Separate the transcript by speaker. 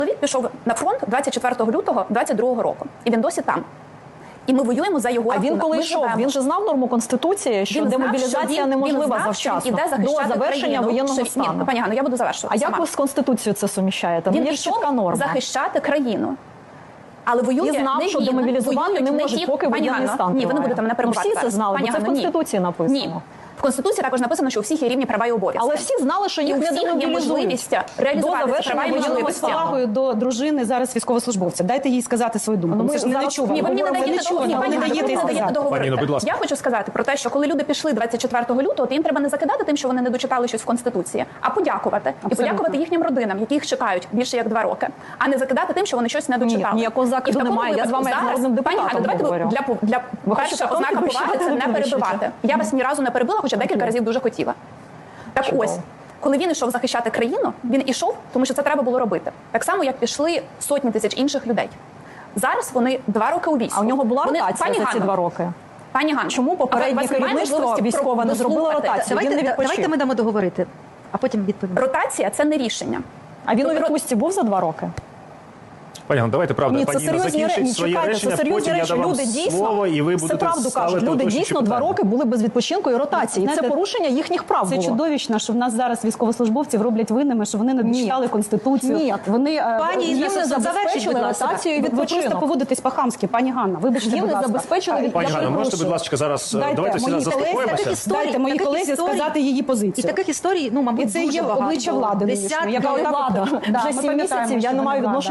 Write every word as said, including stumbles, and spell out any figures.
Speaker 1: Чоловік пішов на фронт двадцять четвертого лютого двадцять другого року, і він досі там. І ми воюємо за його.
Speaker 2: А він коли йшов, він же знав норму Конституції, що він демобілізація знав, що він, неможлива він знав, завчасно, до завершення країну, воєнного що, стану.
Speaker 1: Ні, пані Ганно, я буду завершувати.
Speaker 2: А
Speaker 1: сама.
Speaker 2: як ви з Конституцією це суміщаєте?
Speaker 1: Він
Speaker 2: є
Speaker 1: пішов
Speaker 2: чітка норма.
Speaker 1: захищати країну. Але воює
Speaker 2: і знав,
Speaker 1: не
Speaker 2: що
Speaker 1: він,
Speaker 2: демобілізувати не можуть, поки воєнний стан.
Speaker 1: Ні, ви не будете мене перебувати.
Speaker 2: Ну, всі це знали, бо це в Конституції написано.
Speaker 1: Ні. В Конституції також написано, що у всіх є рівні права і обов'язки.
Speaker 2: Але всі знали, що їх не демобілізують.
Speaker 1: Реалізувати права і можливості.
Speaker 3: З повагою до дружини зараз військовослужбовця. Дайте їй сказати свою думку.
Speaker 2: Ну,
Speaker 3: ми ж не чуємо.
Speaker 1: Ні, ви мені не даєте договорити.
Speaker 4: Пані, будь ласка.
Speaker 1: Я хочу сказати про те, що коли люди пішли двадцять четвертого лютого, то їм треба не закидати тим, що вони не дочитали щось в Конституції, а подякувати.
Speaker 3: Абсолютно.
Speaker 1: І подякувати їхнім родинам, які їх чекають більше як два роки, а не закидати тим, що вони щось не дочитали.
Speaker 2: Ні, ніякого закиду немає. Я з вами як народним депутатом говорю.
Speaker 1: Для, для перша ознака поваги це не перебивати. Я вас ні разу не перебила, хоча декілька разів дуже хотіла. Так
Speaker 2: Чудово.
Speaker 1: ось, коли він ішов захищати країну, він ішов, тому що це треба було робити. Так само, як пішли сотні тисяч інших людей. Зараз вони два роки у війську.
Speaker 2: А у нього була
Speaker 1: вони,
Speaker 2: ротація
Speaker 1: пані
Speaker 2: за ці
Speaker 1: Ганно,
Speaker 2: два роки?
Speaker 1: Пані Ганно,
Speaker 2: чому попереднє керівництво військове не зробило ротацію?
Speaker 5: Давайте,
Speaker 2: він не відпочив.
Speaker 5: давайте ми дамо договорити, а потім відповімо.
Speaker 1: Ротація – це не рішення.
Speaker 2: А він у
Speaker 1: Тобто,
Speaker 2: відпустці був за два роки?
Speaker 4: Пані Ганно, давайте, правда,
Speaker 2: Ні, це
Speaker 4: пані Інна
Speaker 2: серйозні
Speaker 4: закінчить
Speaker 2: речі.
Speaker 4: своє
Speaker 2: Чекайте,
Speaker 4: речення,
Speaker 2: це серйозні
Speaker 4: потім я
Speaker 2: речі.
Speaker 4: дам вам
Speaker 2: Люди дійсно,
Speaker 4: слово, і ви
Speaker 2: це
Speaker 4: будете
Speaker 2: правду кажуть,
Speaker 4: ставити
Speaker 2: люди
Speaker 4: уточнюючі
Speaker 2: дійсно два
Speaker 4: питання.
Speaker 2: роки були без відпочинку і ротації.
Speaker 3: Знаєте,
Speaker 2: це порушення їхніх прав
Speaker 3: Це
Speaker 2: було.
Speaker 3: чудовищно, що в нас зараз військовослужбовців роблять винними, що вони не дочитали Конституцію.
Speaker 2: Ні.
Speaker 3: Вони,
Speaker 5: Пані
Speaker 3: їм
Speaker 5: Інна,
Speaker 3: не
Speaker 5: завершіть,
Speaker 3: забезпечили
Speaker 5: будь ласка.
Speaker 3: ротацію і
Speaker 2: Ви
Speaker 3: відпочинок. Ви просто поводитесь по-хамськи, пані Ганна. Вибачте,
Speaker 2: Їм
Speaker 3: будь
Speaker 2: не
Speaker 3: ласка.
Speaker 2: забезпечили від-
Speaker 4: Пані
Speaker 2: Я
Speaker 4: Ганно, можете,
Speaker 2: перепрошую.
Speaker 4: будь ласка, зараз
Speaker 3: Дайте
Speaker 4: давайте всі
Speaker 3: моїй
Speaker 4: зараз
Speaker 3: колезі
Speaker 4: заспокоїмося.
Speaker 5: історій,
Speaker 3: Дайте моїй
Speaker 5: таких
Speaker 3: колезі
Speaker 5: історій.
Speaker 3: сказати її
Speaker 5: І
Speaker 3: позицію.
Speaker 5: таких історій, ну, мабуть,
Speaker 3: І це
Speaker 5: дуже
Speaker 3: є
Speaker 5: багато.
Speaker 3: обличчя влади
Speaker 5: Десятки.
Speaker 3: нинішньої, яка
Speaker 2: Яка
Speaker 3: отак от-
Speaker 2: влада?
Speaker 3: Да,
Speaker 2: Вже
Speaker 3: ми
Speaker 2: сім
Speaker 3: пам'ятаємо,
Speaker 2: місяців я
Speaker 3: що
Speaker 2: не
Speaker 3: вона
Speaker 2: маю
Speaker 3: влада.
Speaker 2: відношення.